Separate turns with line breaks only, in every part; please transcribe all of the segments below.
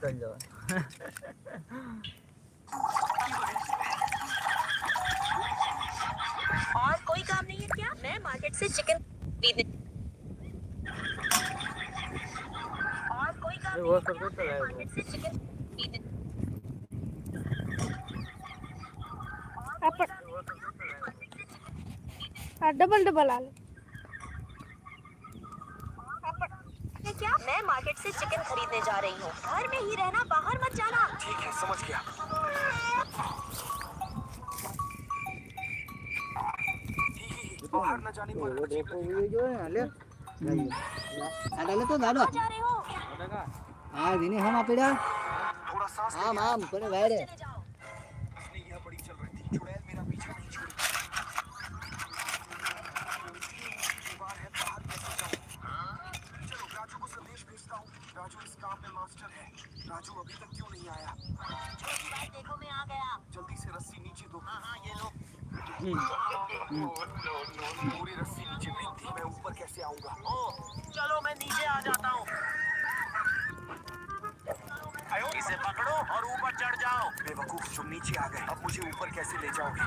चल जाओ।
और कोई काम नहीं है क्या? मैं मार्केट से चिकन खरीदने और कोई काम नहीं
वो
है
सब
क्या?
तो
मैं
चलाए वो
मार्केट से चिकन खरीदने
अपन डबल डबल आलू
है क्या? मैं मार्केट से चिकन खरीदने जा रही हूँ। घर में ही रहना, बाहर मत जाना।
ठीक है, समझ गया। बाहर न जाने पर अजीब लगेगा।
जो है ले तो दादा
कहाँ जा रहे हो?
हाँ दिने हम आपड़ा
थोड़ा सांस
हाँ माम कोने वायरे
चले जाओ।
इसने यह बड़ी चल रही थी। चुड़ैल मेरा पीछा नहीं छोड़ी। दीवार है, बाहर कैसे जाऊं? चलो राजू को संदेश भेजता हूँ। राजू इस काम में मास्टर है। राजू अभी तक क्यों नहीं आया?
भाई देखो मैं आ गया।
जल्दी से रस्सी नीचे दो।
हाँ ये लो।
पूरी रस्सी नीचे फेंक दी। मैं ऊपर कैसे आऊंगा?
ओह चलो मैं नीचे आ जाता हूँ। इसे पकड़ो और ऊपर चढ़ जाओ।
बेवकूफ, तुम नीचे आ गए। अब मुझे ऊपर कैसे ले जाओगे?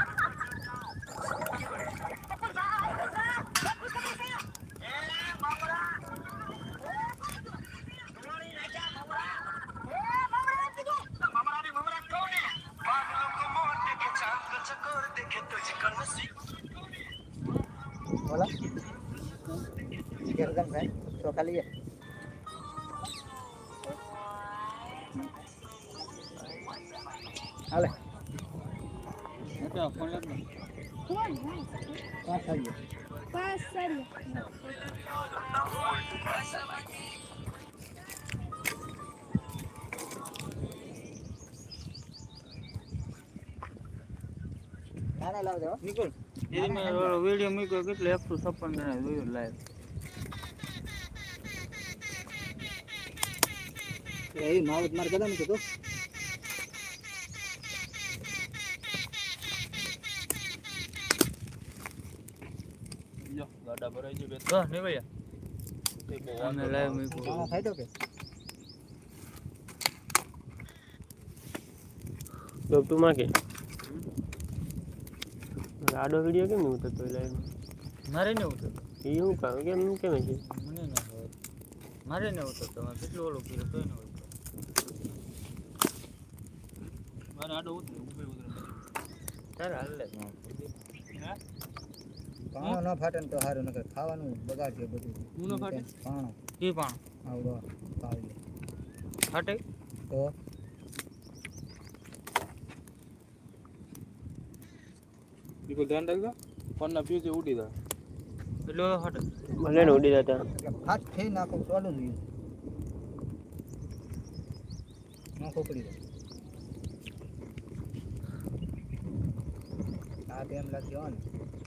बोला गर्दन है तो खाली है हाले तो फोन लग में पास आ गया
पास सर
खाना लाव दो
निकल यदि मैं वीडियो में को कितले 156 जणा જોયો લાઈવ
એ માવત માર કદમ કે તો
લો ગાડા ભરાઈ ગઈ બે તો ને ભૈયા તે બહુ વાંધો લાઈવ में को
ખાના ખાઈ તો કે
તો તું માં કે આડો વિડિયો કેમ ઉતરતો લાઈવ
મારે ને ઉતર
એ હું કામ કેમ કેમ છે
મને ના ખબર મારે ને ઉતરતો મારે કેટલો ઓલો કર્યો તોય ન ઉતરતો મારે આડો ઉતરે ઉભે ઉતરે તારે હાલ લે હા
પાણો ન ફાટે ને તો હારું નકર ખાવાનું બગાડશે બધું
હું ન ફાટે
પાણો
કી પણ
આવડો પાવડો
ફાટે
તો
દીકો ધ્યાન રાખજો ફોનના ફ્યુઝ ઉડી જાય એટલો ફાટે
ભલે ને ઉડી જતા
હાથ થઈ નાખો ચાલુ નહીં નાખો પડી જાય આ ટાઈમ લાગ્યો ને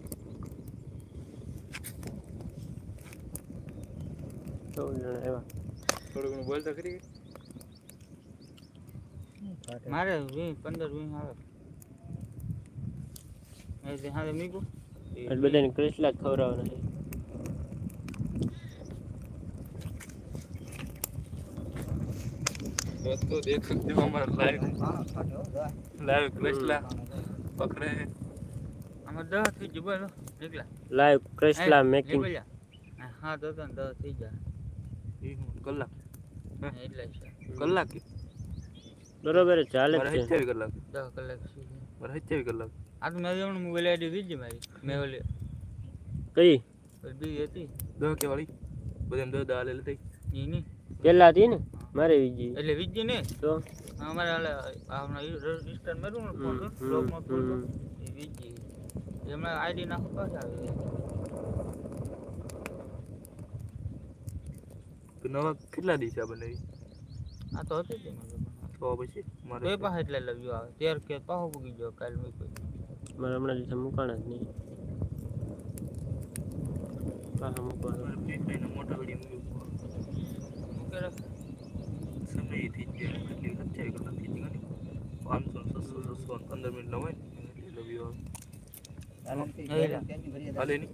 તો જણા એવા
થોડું ઘણું બોલતા ખરી મારે 15-20 આવે એ હારે મીકુ
આ બધાને ક્રિસ્લા ખવરાવવાના છે
दोस्तों देख सकते हो हमारा लाइव क्रिस्ला पकड़े हैं हमारा 10 થઈ ગયું બોલો નીકળા
લાઈવ ક્રિસ્લા મેકિંગ
હા તો 10 થઈ ગયા એક કલાક એટલે કલાક
બરોબર ચાલે
મારે
છે
27 કલાક 10 કલાક મારે 27 કલાક આ તો મેં જમણું મોબાઈલ આઈડી દીધી મારી મેં ઓલે
કઈ
બી હતી 10 કે વાળી બધાને 10 ડાલે લઈ ની ની
પેલા હતી ને મારે વીજી
એટલે વીજી ને
તો
અમારે હાલે આપણા રજિસ્ટર મેરું ને ફોન બ્લોક માં ફોન એ વીજી એમાં આઈડી નાખો પાછા આવે તો નવા કેટલા દિવસ આ બનાવી આ તો હતી જ તો પછી મારે બે પાસે એટલે લવ્યો આવે 13 કે પાહો પૂગી ગયો કાલ મે કોઈ
મારે હમણાં દિવસે મુકાણા જ નહીં પાછા મૂકવાના
મોટા વિડીયો મૂકે રાખ સમય થઈ જાય કેટલી 27 કલાક થઈ ગઈ 500 600 15 મિનિટ ના હોય એટલે લવ્યો આવે હાલે ની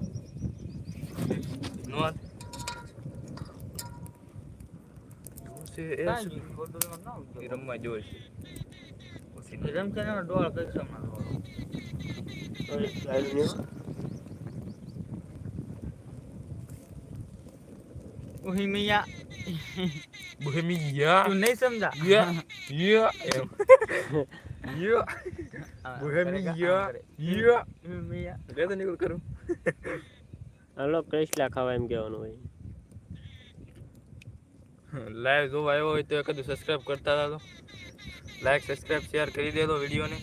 નો એ
કાંઈ નહીં, ખોટું એમાં ના ઉતરે.
એ રમવા જોઈશે પછી
એ રમશે ને એમાં ડોળ કઈ સમા ઉહી મિયા
બોહેમિયા
તું નહીં સમજા
યા યા યા
હા,
બોહેમિયા
યા
યા
મિયા
લે તો નીકળ કરું
હાલો ક્રેસલા ખાવા એમ કહેવાનું હોય.
લાઈવ જોવા આવ્યો હોય તો કદી સબસ્ક્રાઇબ કરતા હતા તો લાઈક સબસ્ક્રાઇબ શેર કરી દેજો વિડીયોને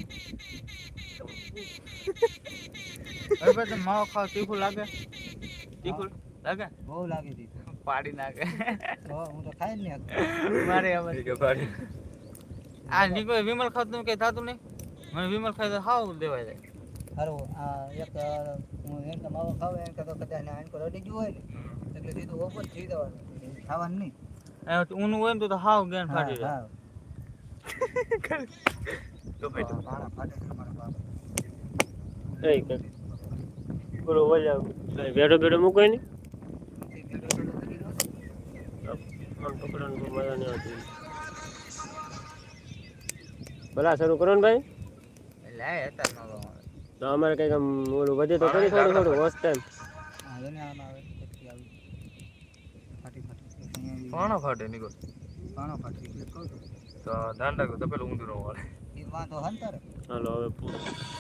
હવે પછી માવો ખાવ તીખું લાગે તીખું લાગે
બહુ લાગી હતી
પાડી નાખે
હું તો ખાઈ જ નહીં શકતો.
મારે હવે
ઠીક છે ભાઈ
આ નીકળે વિમલ ખાતું કઈ થતું નહીં મને વિમલ ખાય તો હાવ દેવાય જાય
સારું આ એક હું એમ તો માવો ખાવ એમ કે તો કદાચ ને આંકો રડી ગયું હોય ને એટલે સીધું ઓપન થઈ જવાનું ખાવાનું નહીં.
ઊનું હોય ને તો હાવ ગેન ફાટી જાય
હા
તો ભાઈ તો
પાણા ફાટે છે મારા બાપ.
એ કે બોલો ઓલા બેડો બેડો મૂકો ને આમ પકડવાનું તો મજા નહીં આવતી. ભલા શરૂ કરો ને ભાઈ.
એટલે આ હતા માવો
તો અમારે કંઈક આમ ઓલું વધે તો કરી થોડું થોડું હોસ્ટ ટાઈમ.
હા એને આમાં આવે પછી આવી ફાટી ફાટી
પાણો ફાટે નીકળ
પાણો ફાટી એટલે કહું છું
તો ધ્યાન રાખો તો પેલું ઊંધું ન વાળે
એ વાંધો હંતર
હાલો હવે પૂરું.